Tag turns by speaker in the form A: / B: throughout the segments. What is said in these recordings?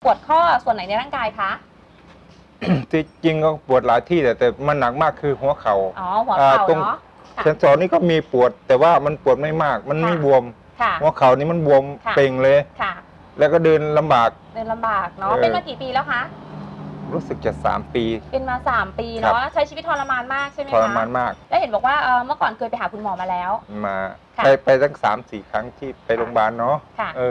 A: ปวดข้อส่วนไหนในร่างกายคะ
B: ที่จริงก็ปวดหลายที่แต่มันหนักมากคือหัวเข่า
A: อ๋อหัวเข่า
B: ตรง
A: เนาะ
B: เซนสอนนี่ก็มีปวดแต่ว่ามันปวดไม่มากมันไม่บวมหัวเข่านี่มันบวมเป่งเลยแล้วก็เดินลำบาก
A: เดินลำบากเนาะเป็นมากี่ปีแล้วคะ
B: รู้สึกจะ3 ปี
A: เป็นมา3 ปีเนาะใช้ชีวิตทรมานมากใช่ไหมคะ
B: ทรมานมาก
A: แล้วเห็นบอกว่าเมื่อก่อนเคยไปหาคุณหมอมาแล้ว
B: มาไปตั้ง3-4 ครั้งที่ไปโรงพยาบาลเนาะ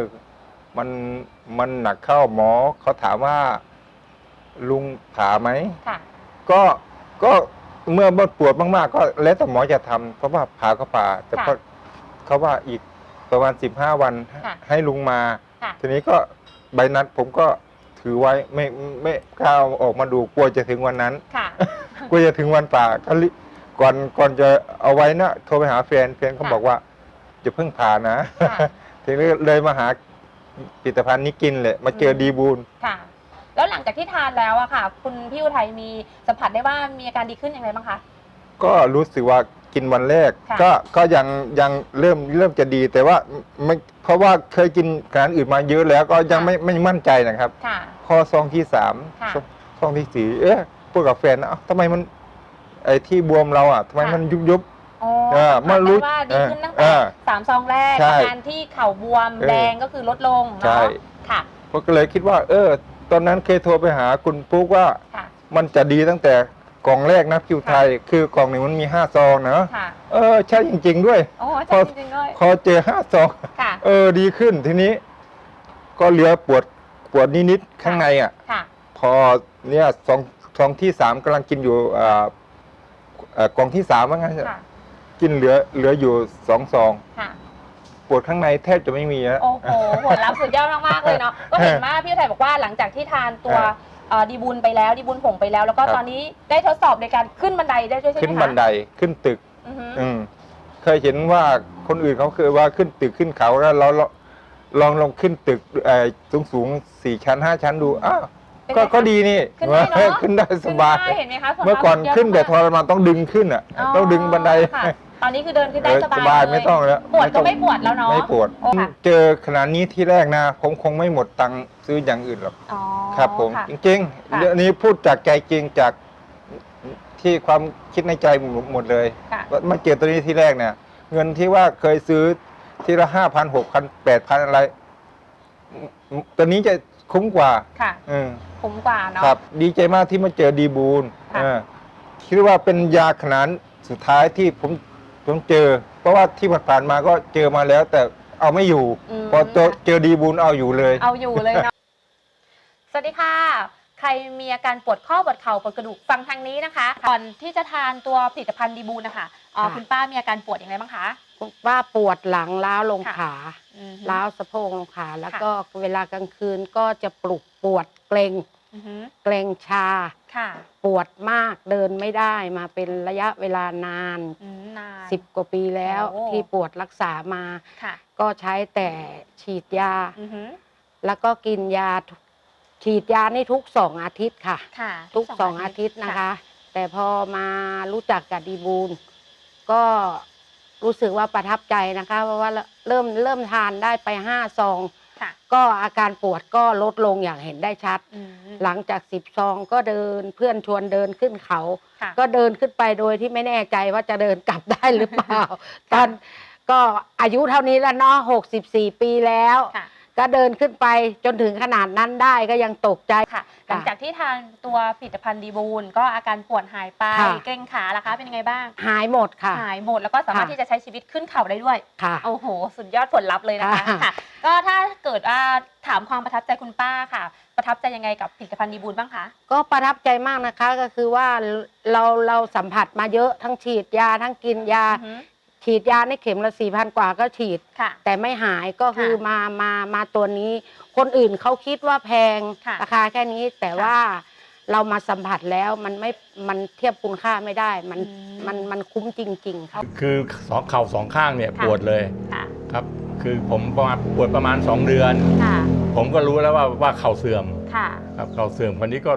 B: มันหนักเข้าหมอเขาถามว่าลุงผ่าไหมก็เมื่อปวดมากๆก็แล้วแต่หมอจะทำเพราะว่าผ่าก็ผ่าแต่เขาว่าอีกประมาณ15 วันให้ลุงมาทีนี้ก็ใบนัดผมก็ถือไว้ไม่กล้าออกมาดูกลัวจะถึงวันนั้นกลัวจะถึงวันผ่าก็ก่อนจะเอาไว้นะโทรไปหาแฟนเขาบอกว่าจะเพิ่งผ่านะทีนี้เลยมาหาผลิตภัณฑ์นี้กินเลยมาเจอดีบูล
A: แล้วหลังจากที่ทานแล้วอะค่ะคุณพี่อุทัยมีสัมผัสได้ว่ามีอาการดีขึ้นอย่างไรบ้างคะ
B: ก็รู้สึกว่ากินวันแรกก็ยังเริ่มจะดีแต่ว่าไม่เพราะว่าเคยกินอาหารอื่นมาเยอะแล้วก็ยังไม่มั่นใจนะครับพอซองที่3ซองที่4พูดกับแฟนนะทำไมมันไอ้ที่บวมเราอ่ะทำไมมันยุบ
A: มารู้ว่าดีขึ้นตั้งแต่3 ซองแรกอาการที่เข่าบวมแดงก็คือลดลงเนาะค่ะ
B: ก็เลยคิดว่าตอนนั้นเคยโทรไปหาคุณปุ๊กว่ามันจะดีตั้งแต่กล่องแรกนะคิวไทยคือกล่องหนึ่งมันมี5 ซองนะใช่จริงๆด้วยพอเจอ5 ซองดีขึ้นทีนี้ก็เหลือปวดนิดๆข้างในอ่ะพอเนี่ยซองที่3กำลังกินอยู่กล่องที่3ว่างั้นกินเหลืออยู่2 ซองปวดข้างในแทบจะไม่มีแล้ว
A: โอ้โหผลลัพธ์สุดยอดมากๆเลยเนาะก็เห็นว่าพี่อุทัยบอกว่าหลังจากที่ทานตัวดีบุญไปแล้วดีบุญผงไปแล้วแล้วก็ตอนนี้ได้ทดสอบในการขึ้นบันไดได้ด้วยใช่ไหมคะ
B: ขึ้นบันไดขึ้นตึกเคยเห็นว่าคนอื่นเขาเคยว่าขึ้นตึกขึ้นเขาแล้วเราลองขึ้นตึกสูง4 ชั้น 5 ชั้นดูก็ดีนี่ขึ้นได้สบาย
A: เห็นไหมคะ
B: เมื่อก่อนขึ้นแต่ทรมานต้องดึงขึ้นอ่ะต้องดึงบันได
A: ตอนนี้คือเดินขึ้นได้สบาย
B: ไม่ต้องแล้ว
A: ปวดก็ไม่ปวดแล้วเนาะ
B: ไม่ปวดเจอขนาดนี้ที่แรกนะผมคงไม่หมดตังค์ซื้ออย่างอื่นหรอกครับผมจริงๆเรื่องนี้พูดจากใจจริงจากที่ความคิดในใจหมดเลยมาเจอตัวนี้ที่แรกเนี่ยเงินที่ว่าเคยซื้อทีละ5,000 6,000 8,000อะไรตัวนี้จะคุ้มกว่า
A: คุ้มกว่าเนาะ
B: ครับดีใจมากที่มาเจอดีบูลคิดว่าเป็นยาขนาดสุดท้ายที่ผมเจอเพราะว่าที่ผ่านมาก็เจอมาแล้วแต่เอาไม่อยู่พอเจอดีบูลเอาอยู่เลย
A: เนาะสวัสดีค่ะใครมีอาการปวดข้อปวดเข่าปวดกระดูกฟังทางนี้นะคะก่อนที่จะทานตัวผลิตภัณฑ์ดีบูลนะคะคุณป้ามีอาการปวดอย่างไรบ้างคะ
C: ว่าปวดหลังล้าวลงขาล้าวสะโพกลงขาแล้วก็เวลากลางคืนก็จะปวดเกร็งชาปวดมากเดินไม่ได้มาเป็นระยะเวลานาน10 กว่าปีแล้วที่ปวดรักษามาก็ใช้แต่ฉีดยาแล้วก็กินยาฉีดยานี่ทุก2 อาทิตย์ค่ะทุก2 อาทิตย์นะคะแต่พอมารู้จักกับดีบูลก็รู้สึกว่าประทับใจนะคะเพราะว่าเริ่มทานได้ไป5 ซองก็อาการปวดก็ลดลงอย่างเห็นได้ชัดหลังจาก10 ซองก็เดินเพื่อนชวนเดินขึ้นเขาก็เดินขึ้นไปโดยที่ไม่แน่ใจว่าจะเดินกลับได้หรือเปล่าตอนก็อายุเท่านี้แล้วเนาะ64 ปีแล้วก็เดินขึ้นไปจนถึงขนาดนั้นได้ก็ยังตกใจ
A: ค่ะหลังจากที่ทานตัวผลิตภัณฑ์ดีบูลก็อาการปวดหายไปเกร็งขาล่ะคะเป็นยังไงบ้าง
C: หายหมดค่ะ
A: หายหมดแล้วก็สามารถที่จะใช้ชีวิตขึ้นเขาได้ด้วยโอ้โหสุดยอดผลลัพธ์เลยนะคะค่ะก็ถ้าเกิดถามความประทับใจคุณป้าค่ะประทับใจยังไงกับผลิตภัณฑ์ดีบูลบ้างคะ
C: ก็ประทับใจมากนะคะก็คือว่าเราสัมผัสมาเยอะทั้งฉีดยาทั้งกินยาฉีดยาในเข็มละ4,000 กว่าก็ฉีดแต่ไม่หายก็คือมาตัวนี้คนอื่นเขาคิดว่าแพงราคาแค่นี้แต่ว่าเรามาสัมผัสแล้วมันเทียบคุณค่าไม่ได้มันคุ้มจริงๆครับ
D: คือเข่า2 ข้างเนี่ยปวดเลยครับคือผมปวดประมาณ2 เดือนผมก็รู้แล้วว่าเข่าเสื่อมครับเข่าเสื่อมคนนี้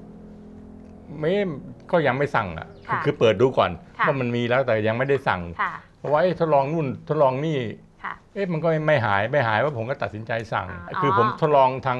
D: ก็ยังไม่สั่งอ่ะคือเปิดดูก่อนว่ามันมีแล้วแต่ยังไม่ได้สั่งเพราะว่าทดลองนู่นทดลองนี่มันก็ไม่หายว่าผมก็ตัดสินใจสั่งคือผมทดลองทาง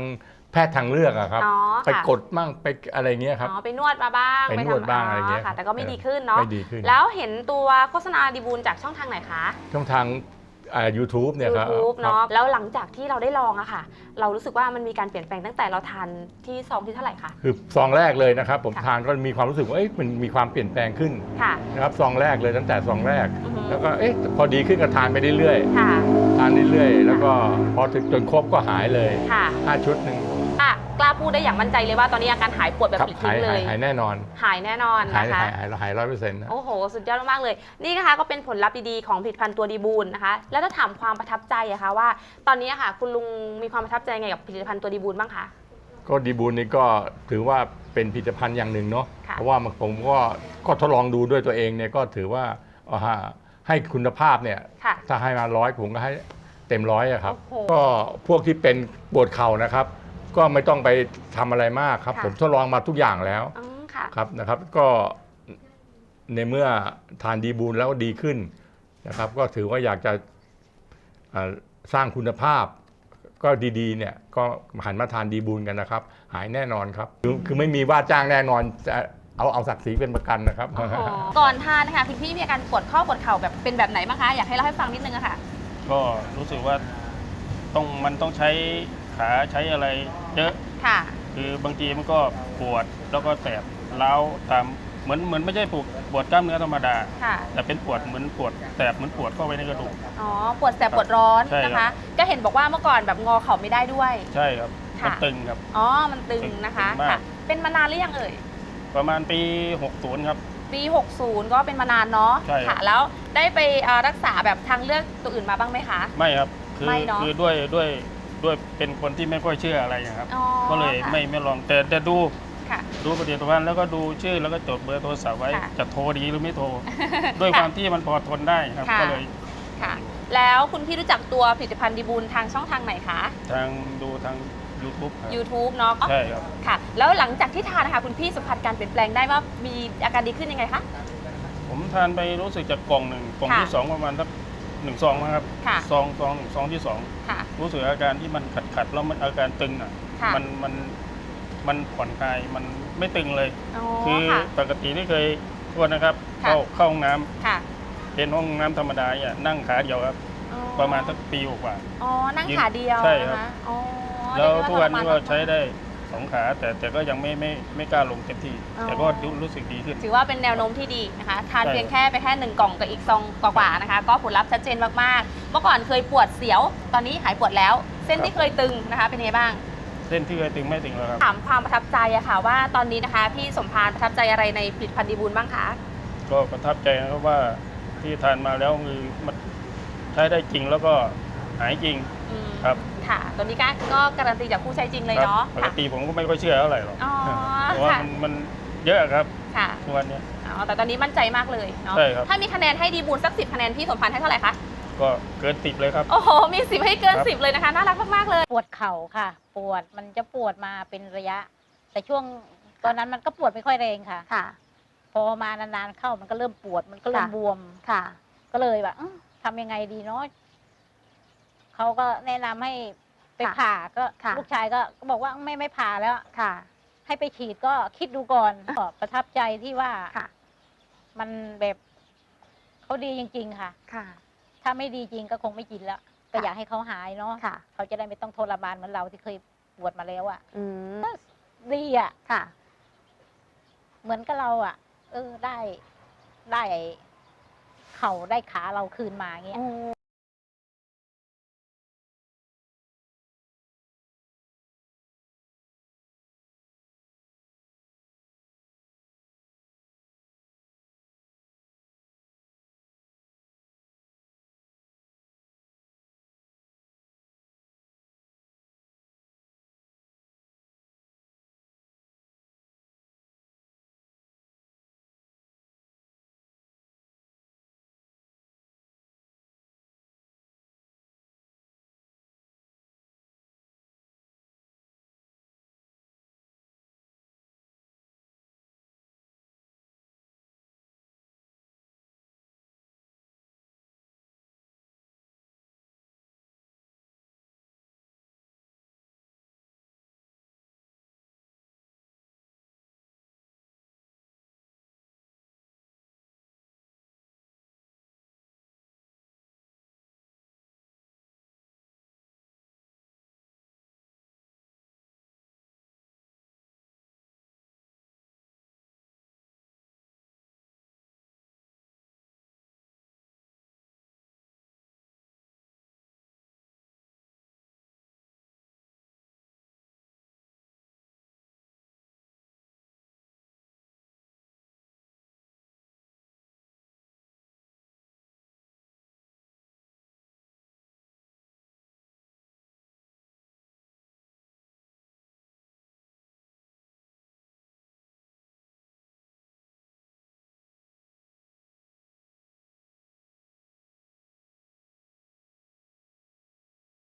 D: แพทย์ทางเลือกอะครับ
A: อ๋อ
D: ไป
A: ค่ะ
D: กดมั่งไปอะไรเงี้ยครับ
A: อ๋อไปนวดมาบ้าง
D: ไปนวดบ้างอะไรเงี้ย
A: ค่ะ แต่ก็ไม่ดีขึ้นเนาะ
D: ไม่ดีขึ้น
A: แล้วเห็นตัวโฆษณาดีบูลจากช่องทางไหนคะ
D: ช่องทางYouTube เนี่ยครับ
A: YouTube เนาะแล้วหลังจากที่เราได้ลองอะค่ะ เรารู้สึกว่ามันมีการเปลี่ยนแปลงตั้งแต่เราทานที่ซองที่เท่าไหร่คะ
D: คือซองแรกเลยนะครับ ผม
A: ค่ะ
D: ทานก็มีความรู้สึกว่ามันมีความเปลี่ยนแปลงขึ้น
A: ค่ะ
D: นะครับซองแรกเลยตั้งแต่ซองแรก
A: อือฮึ
D: แล้วก็พอดีขึ้นก็ทานไปเรื่อย
A: ค่ะ
D: ๆทานเรื่อยๆแล้วก็พอถึงจนครบก็หายเลย
A: ค่ะ
D: 5 ชุดหนึ่ง
A: กล้าพูดได้อย่างมั่นใจเลยว่าตอนนี้อาการหายปวดแบบ
D: ครับ
A: ปลิด
D: หา
A: ทิ้
D: ย
B: ห
A: งเลย
D: หายแน่นอน
A: หายแน่นอน
D: หาย
A: นะคะ
D: หาย100%นะ
A: โอ้โห สุดยอดมากๆเลย นี่นะคะก็เป็นผลลัพธ์ดีๆของผลิตภัณฑ์ตัวดีบูลนะคะ แล้วถ้าถามความประทับใจอะคะว่า ตอนนี้อะค่ะ คุณลุงมีความประทับใจไงกับผลิตภัณฑ์ตัวดีบูลบ้างคะ
D: ก็ดีบูลนี่ก็ถือว่าเป็นผลิตภัณฑ์อย่างหนึ่งเนาะ
A: ค่ะ
D: เพราะว่าผมก็ทดลองดูด้วยตัวเองเนี่ยก็ถือว่าให้คุณภาพเนี่ย
A: ค่ะ
D: ถ้าให้มา100ผมก็ให้เต็ม100อะครับ
A: โอ้โห
D: ก็พวกที่เป็นปวดเข่านะครับ ก็ไม่ต้องไปทำอะไรมากครับ
A: ค่ะ
D: ผมทดลองมาทุกอย่างแล้ว
A: อืมค่ะ
D: ครับนะครับ ก็ในเมื่อทานดีบูลแล้วดีขึ้นนะครับ ก็ถือว่าอยากจะสร้างคุณภาพ ก็ดีๆเนี่ยก็หันมาทานดีบูลกันนะครับ หายแน่นอนครับ คือไม่มีว่าจ้างแน่นอนจะเอาศักดิ์ศรีเป็นประกันนะครับ
A: ก่อนทานนะคะคุณพี่มีอาการปวดข้อปวดเข่าแบบเป็นแบบไหนบ้างคะ อยากให้เล่าให้ฟังนิดนึงอะค่ะ
E: ก็รู้สึกว่ามันต้องใช้ขาใช้อะไรเยอะ
A: ค่ะ
E: คือบางทีมันก็ปวดแล้วก็แสบเล้าวตามเหมือนไม่ใช่ปวดกล้ามเนื้อธรรมดา
A: ค่ะ
E: แต่เป็นปวดเหมือนปวดแสบเหมือนปวดเข้าไปในกระดูก
A: อ๋อ ปวดแสบปวดร้อน
E: ใช่
A: นะ
E: ครั
A: คะ
E: บ
A: ก็เห็นบอกว่าเมื่อก่อนแบบงอเข่าไม่ได้ด้วย
E: ใช่ครับ
A: ค่ะ
E: มันตึงครับ
A: อ๋อ มันตึงนะคะ
E: ตึงมาก
A: ค่ะ เป็นมานานหรือยังเอ่ย
E: ประมาณปี 60 ครับ
A: ปี 60 ก็เป็นมานานเนาะ
E: ใช่ครับ
A: ค่ะ แล้วได้ไปรักษาแบบทางเลือกตัวอื่นมาบ้างไหมคะ
E: ไม่ครับ คือ
A: ไม่เนอะ
E: คือด้วยเป็นคนที่ไม่ค่อยเชื่ออะไรนะครับ
A: อ๋อ
E: ก็เลย
A: ค่ะ
E: ไม่ลองแต่ดู
A: ค่ะ
E: ผลิตภัณฑ์แล้วก็ดูชื่อแล้วก็จดเบอร์โทรศัพท์ไว้
A: ค่ะ
E: จะโทรดีหรือไม่โทร ด้วยความที่มันพอทนได้ครับ
A: ค่ะ
E: ก็เลย
A: ค่ะ แล้วคุณพี่รู้จักตัวผลิตภัณฑ์ดีบูลทางช่องทางไหนคะ
E: ดูทาง YouTube ครับ
A: YouTube เนาะ
E: ใช่ครับ
A: ค่ะ แล้วหลังจากที่ทานนะคะคุณพี่สัมผัสการเปลี่ยนแปลงได้ว่ามีอาการดีขึ้นยังไงคะ
E: ผมทานไปรู้สึกจากกล่องหนึ่งกล่องที่
A: ค่ะ
E: 2 ประมาณสัก1 ซองนะครับ
A: ค่ะ
E: ซองที่
A: ค่ะ
E: 2 รู้สึกอาการที่มันขัดแล้วมันอาการตึงอ่ะ
A: ค่ะ
E: มันผ่อนคลายมันไม่ตึงเลย
A: อ๋อ
E: คือ
A: ค่ะ
E: ปกติที่เคยโทษนะครับ
A: ค่ะ
E: เข้าห้องน้ำ
A: ค่ะ
E: เป็นห้องน้ำธรรมดาเนี่ยนั่งขาเดียวครับ
A: อ๋อ
E: ประมาณสักปีกว่า
A: อ๋อ นั่งขาเดียว
E: ใช่ครับ
A: นะคะอ๋อ
E: แล้ว
A: เรีย
E: ทุก
A: ได้
E: วันนี้ก็
A: ทรม
E: ใช้ได้2 ขาแต่ก็ยังไม่กล้าลงเต็มที่
A: อ๋อ
E: แต่ก็รู้สึกดีขึ้น
A: ถือว่าเป็นแนวโน้มที่ดีนะคะ ทาน
E: ใช่
A: เพียงแค่ไปแค่1 กล่องกับอีกซองกว่าๆนะคะ ก็ผลลัพธ์ชัดเจนมากๆ เมื่อก่อนเคยปวดเสียว ตอนนี้หายปวดแล้ว เส้นที่เคยตึงนะคะ เป็นยังไงบ้าง
E: เส้นที่เคยตึงไม่ตึงแล้วครับ
A: ถามความประทับใจอะค่ะว่าตอนนี้นะคะพี่สมพานประทับใจอะไรในผลิตภัณฑ์ดีบูลบ้างคะ
E: ก็ประทับใจนะครับว่าที่ทานมาแล้วคือมันใช้ได้จริงแล้วก็หายจริง
A: อืม
E: ครับ
A: ค่ะ ตัวนี้ก็การันตีจากผู้ใช้จริงเลย
E: ครับ
A: เนาะ
E: ปก
A: ค่ะ
E: ติผมก็ไม่ค่อยเชื่อเท่าไหร่หรอก
A: อ๋อ
E: เพราะว่า
A: ค่ะ
E: มันเยอะครับ
A: ค่ะ
E: ทุกวันเนี้ย
A: อ๋อแต่ตอนนี้มั่นใจมากเลยเนาะ
E: ใช่ครับ
A: ถ้ามีคะแนนให้ดีบูลสัก10 คะแนนพี่สมพานให้เท่าไหร่คะ
E: ก็เกิน10เลยครับ
A: โอ้โห มี 10 ให้เกิน
E: ครับ
A: 10 เลยนะคะ น่ารักมากๆเลย
F: ปวดเข่าค่ะ ปวดมันจะปวดมาเป็นระยะ แต่ช่วงตอนนั้นมันก็ปวดไม่ค่อยแรงค่ะ
A: ค่ะ
F: พอมานานๆเข้ามันก็เริ่มปวดมันก็เริ่ม
A: ค่ะ
F: บวม
A: ค่ะ
F: ก็เลยแบบทำยังไงดีเนาะเขาก็แนะนำให้ไปผ่าก็
A: ค่ะ
F: ลูกชายก็บอกว่าไม่ผ่าแล้ว
A: ค่ะ
F: ให้ไปฉีดก็คิดดูก่อนก็ประทับใจที่ว่า
A: ค่ะ
F: มันแบบเขาดีจริง ๆ ค่ะ
A: ค่ะ
F: ถ้าไม่ดีจริงก็คงไม่กินแล้วก็
A: ค่ะ
F: อยากให้เขาหายเนาะ
A: ค่ะ
F: เขาจะได้ไม่ต้องทรมานเหมือนเราที่เคยปวดมาแล้วอะ
A: อืม
F: ดีอ่ะ
A: ค่ะ
F: เหมือนกับเราอ่ะ ได้เข่าได้ขาเราคืนมาอย่างเงี้ย